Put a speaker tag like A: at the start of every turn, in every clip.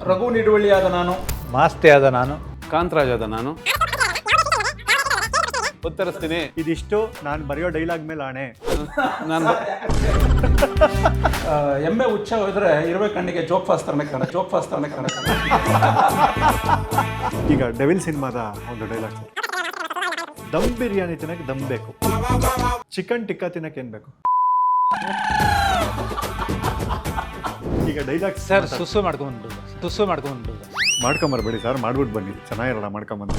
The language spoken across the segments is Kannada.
A: ರಘು ನಿಡುವಳ್ಳಿಯಾದ ನಾನು,
B: ಮಾಸ್ತಿ ಆದ ನಾನು,
C: ಕಾಂತರಾಜ್ ಆದ ನಾನು. ಉತ್ತರಿಸ್ತೀನಿ.
D: ಇದಿಷ್ಟು ನಾನು ಬರೆಯೋ ಡೈಲಾಗ್ ಮೇಲೆ ಆಣೆ.
C: ನಾನು
A: ಎಮ್ಮೆ ಉಚ್ಚ ಹೋದ್ರೆ ಇರುವೆ ಕಣ್ಣಿಗೆ ಜೋಕ್ ಫಾಸ್ ತರನೇ ಕಾಣ.
D: ಈಗ ಡೆವಿಲ್ ಸಿನಿಮಾದ ಒಂದು ಡೈಲಾಗ್, ದಮ್ ಬಿರಿಯಾನಿ ತಿನ್ನಕ್ಕೆ ದಮ್ ಬೇಕು, ಚಿಕನ್ ಟಿಕ್ಕಾ ತಿನ್ನಕ್ಕೆ ಏನ್ ಬೇಕು? ಈಗ ಡೈಲಾಗ್
B: ಸರ್ ಸುಸ್ಸು ಮಾಡ್ಕೊಂಡ್ಬಿಟ್ಟು
D: ಮಾಡ್ಕೊಂಬರ್ಬೇಡಿ ಸರ್, ಮಾಡ್ಬಿಟ್ಟು ಬನ್ನಿ, ಚೆನ್ನಾಗಿರಲ್ಲ ಮಾಡ್ಕೊಂಬಂದು.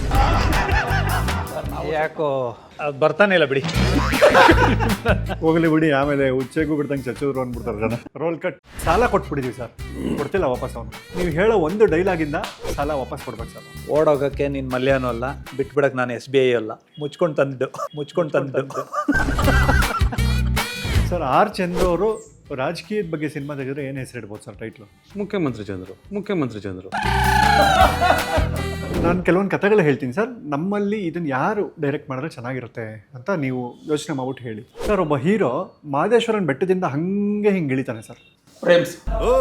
B: ಯಾಕೋ ಅದು ಬರ್ತಾನೆ ಇಲ್ಲ ಬಿಡಿ.
D: ಹೋಗ್ಲಿ ಬಿಡಿ, ಆಮೇಲೆ ಉಚ್ಚೆಗೂ ಬಿಡ್ದಂಗೆ ಚಚ್ಚಿದ್ರು ಅಂದ್ಬಿಡ್ತಾರೆ ಜನ. Role cut. ಸಾಲ ಕೊಟ್ಬಿಟ್ಟಿದೀವಿ ಸರ್, ಕೊಡ್ತಿಲ್ಲ ವಾಪಸ್ ಅವನು. ನೀವು ಹೇಳೋ ಒಂದು ಡೈಲಾಗಿಂದ ಸಾಲ ವಾಪಸ್ ಕೊಡ್ಬೇಕು ಸರ್.
B: ಓಡೋಗಕ್ಕೆ ನೀನು ಮಲ್ಯಾನೂ ಅಲ್ಲ, ಬಿಟ್ಬಿಡಕ್ಕೆ ನಾನು SBI ಅಲ್ಲ, ಮುಚ್ಕೊಂಡು ತಂದಿದ್ದು.
D: ಸರ್ ಆರ್ ಚಂದ್ರು ಅವರು ರಾಜಕೀಯದ ಬಗ್ಗೆ ಸಿನಿಮಾ ತೆಗೆದ್ರೆ ಏನು ಹೆಸರಿಡ್ಬೋದು ಸರ್ ಟೈಟ್ಲು?
C: ಮುಖ್ಯಮಂತ್ರಿ ಚಂದ್ರು.
D: ನಾನು ಕೆಲವೊಂದು ಕಥೆಗಳು ಹೇಳ್ತೀನಿ ಸರ್, ನಮ್ಮಲ್ಲಿ ಇದನ್ನು ಯಾರು ಡೈರೆಕ್ಟ್ ಮಾಡಿದ್ರೆ ಚೆನ್ನಾಗಿರುತ್ತೆ ಅಂತ ನೀವು ಯೋಚನೆ ಮಾಡ್ಬಿಟ್ಟು ಹೇಳಿ ಸರ್. ಒಬ್ಬ ಹೀರೋ ಮಾದೇಶ್ವರನ ಬೆಟ್ಟದಿಂದ ಹಿಂಗೆ ಇಳಿತಾನೆ ಸರ್.
A: ಪ್ರೇಮ್ಸ್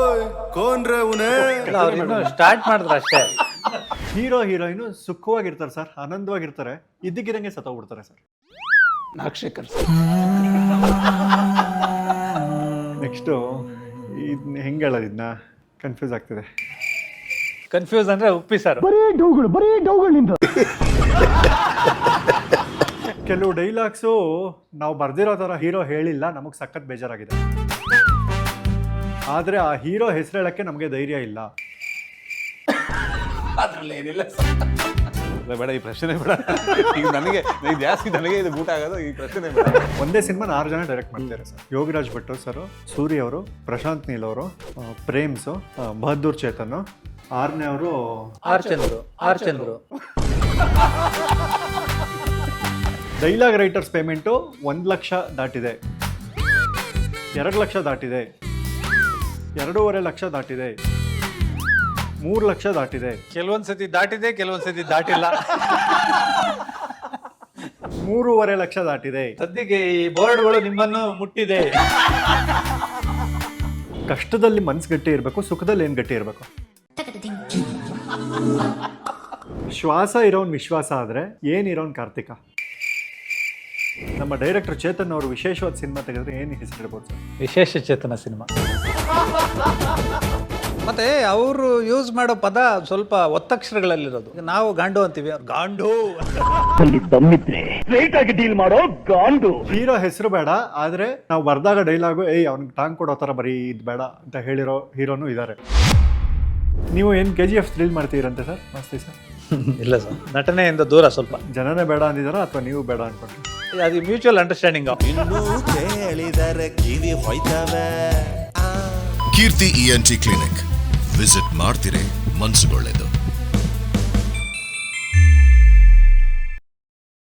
B: ಅವ್ರು ಸ್ಟಾರ್ಟ್ ಮಾಡಿದ್ರು ಅಷ್ಟೇ.
D: ಹೀರೋ ಹೀರೋಯಿನು ಸುಖವಾಗಿರ್ತಾರೆ ಸರ್, ಆನಂದವಾಗಿರ್ತಾರೆ, ಇದ್ದಕ್ಕಿದಂಗೆ ಸತ್ತೋಗ್ಬಿಡ್ತಾರೆ ಸರ್.
A: ನಾಗಶೇಖರ್.
D: ನೆಕ್ಸ್ಟು ಇದನ್ನ ಹೆಂಗೆ ಹೇಳೋದು, ಇದನ್ನ ಕನ್ಫ್ಯೂಸ್ ಆಗ್ತಿದೆ.
B: ಕನ್ಫ್ಯೂಸ್ ಅಂದ್ರೆ ಉಪ್ಪಿ ಸರ್.
D: ಕೆಲವು ಡೈಲಾಗ್ಸು ನಾವು ಬರ್ದಿರೋ ಥರ ಹೀರೋ ಹೇಳಿಲ್ಲ, ನಮಗೆ ಸಖತ್ ಬೇಜಾರಾಗಿದೆ. ಆದರೆ ಆ ಹೀರೋ ಹೆಸರು ಹೇಳಕ್ಕೆ ನಮಗೆ ಧೈರ್ಯ ಇಲ್ಲ.
A: ಅದ್ರಲ್ಲಿ ಏನಿಲ್ಲ.
C: ಬೇಡ, ಈ ಪ್ರಶ್ನೆ ಬೇಡ. ಈಗ ನನಗೆ ಜಾಸ್ತಿ ಇದು ಊಟ ಆಗೋದು, ಈ ಪ್ರಶ್ನೆ ಬೇಡ.
D: ಒಂದೇ ಸಿನಿಮಾ 6 ಜನ ಡೈರೆಕ್ಟ್ ಮಾಡ್ತಾರೆ ಸರ್. ಯೋಗಿರಾಜ್ ಭಟ್ ಸರ್, ಸೂರಿ ಅವರು, ಪ್ರಶಾಂತ್ ನೀಲ್ ಅವರು, ಪ್ರೇಮ್ಸು, ಬಹದ್ದೂರ್ ಚೇತನ್, 6ನೇ ಅವರು
B: R Chandru.
D: Dialogue writers payment 1 lakh ದಾಟಿದೆ, 2 ಲಕ್ಷ ದಾಟಿದೆ, 2.5 ಲಕ್ಷ ದಾಟಿದೆ, 3 ಲಕ್ಷ ದಾಟಿದೆ.
B: ಕೆಲವೊಂದ್ಸತಿ ದಾಟಿದೆ, ಕೆಲವೊಂದ್ಸತಿ ದಾಟಿಲ್ಲ.
D: 3.5 ಲಕ್ಷ ದಾಟಿದೆ.
B: ಸದ್ಯಕ್ಕೆ ಈ ಬೋರ್ಡ್ಗಳು ನಿಮ್ಮನ್ನು ಮುಟ್ಟಿದೆ.
D: ಕಷ್ಟದಲ್ಲಿ ಮನ್ಸು ಗಟ್ಟಿ ಇರಬೇಕು, ಸುಖದಲ್ಲಿ ಏನು ಗಟ್ಟಿ ಇರಬೇಕು? ಶ್ವಾಸ ಇರೋನ್ ವಿಶ್ವಾಸ ಆದರೆ ಏನಿರೋನ್ ಕಾರ್ತಿಕ. ನಮ್ಮ ಡೈರೆಕ್ಟರ್ ಚೇತನ್ ಅವರು ವಿಶೇಷವಾದ ಸಿನಿಮಾ ತೆಗೆದ್ರೆ ಏನು ಹೆಸರಿಡ್ಬೋದು ಸರ್?
B: ವಿಶೇಷ ಚೇತನ ಸಿನಿಮಾ. ಮತ್ತೆ ಅವರು ಯೂಸ್ ಮಾಡೋ ಪದ ಸ್ವಲ್ಪ ಒತ್ತಕ್ಷರಗಳಲ್ಲಿರೋದು. ನಾವು ಗಾಂಡು ಅಂತೀವಿ, ಗಾಂಡು.
D: ಹೀರೋ ಹೆಸರು ಬೇಡ, ಆದ್ರೆ ನಾವು ಬರ್ದಾಗ ಡೈಲಾಗು ಅವ್ನಿಗೆ ಟಾಂಗ್ ಕೊಡೋ ಥರ ಬರೀ ಇದು ಬೇಡ ಅಂತ ಹೇಳಿರೋ ಹೀರೋನು ಇದ್ದಾರೆ. ನೀವು ಏನು KGF ಥ್ರಿಲ್ ಮಾಡ್ತೀರಂತೆ ಸರ್? ಮಸ್ತಿ ಸರ್.
B: ಇಲ್ಲ ಸರ್, ನಟನೆಯಿಂದ ದೂರ ಸ್ವಲ್ಪ.
D: ಜನನೇ ಬೇಡ ಅಂದಿದಾರ ಅಥವಾ ನೀವು ಬೇಡ ಅನ್ಕೊಂಡ್ರಿ?
B: ಅದು mutual understanding.
E: Keerthi ENT clinic visit ಮಾಡ್ತಿರೇ, ಮನ್ಸುಗೊಳ್ಳೆದು.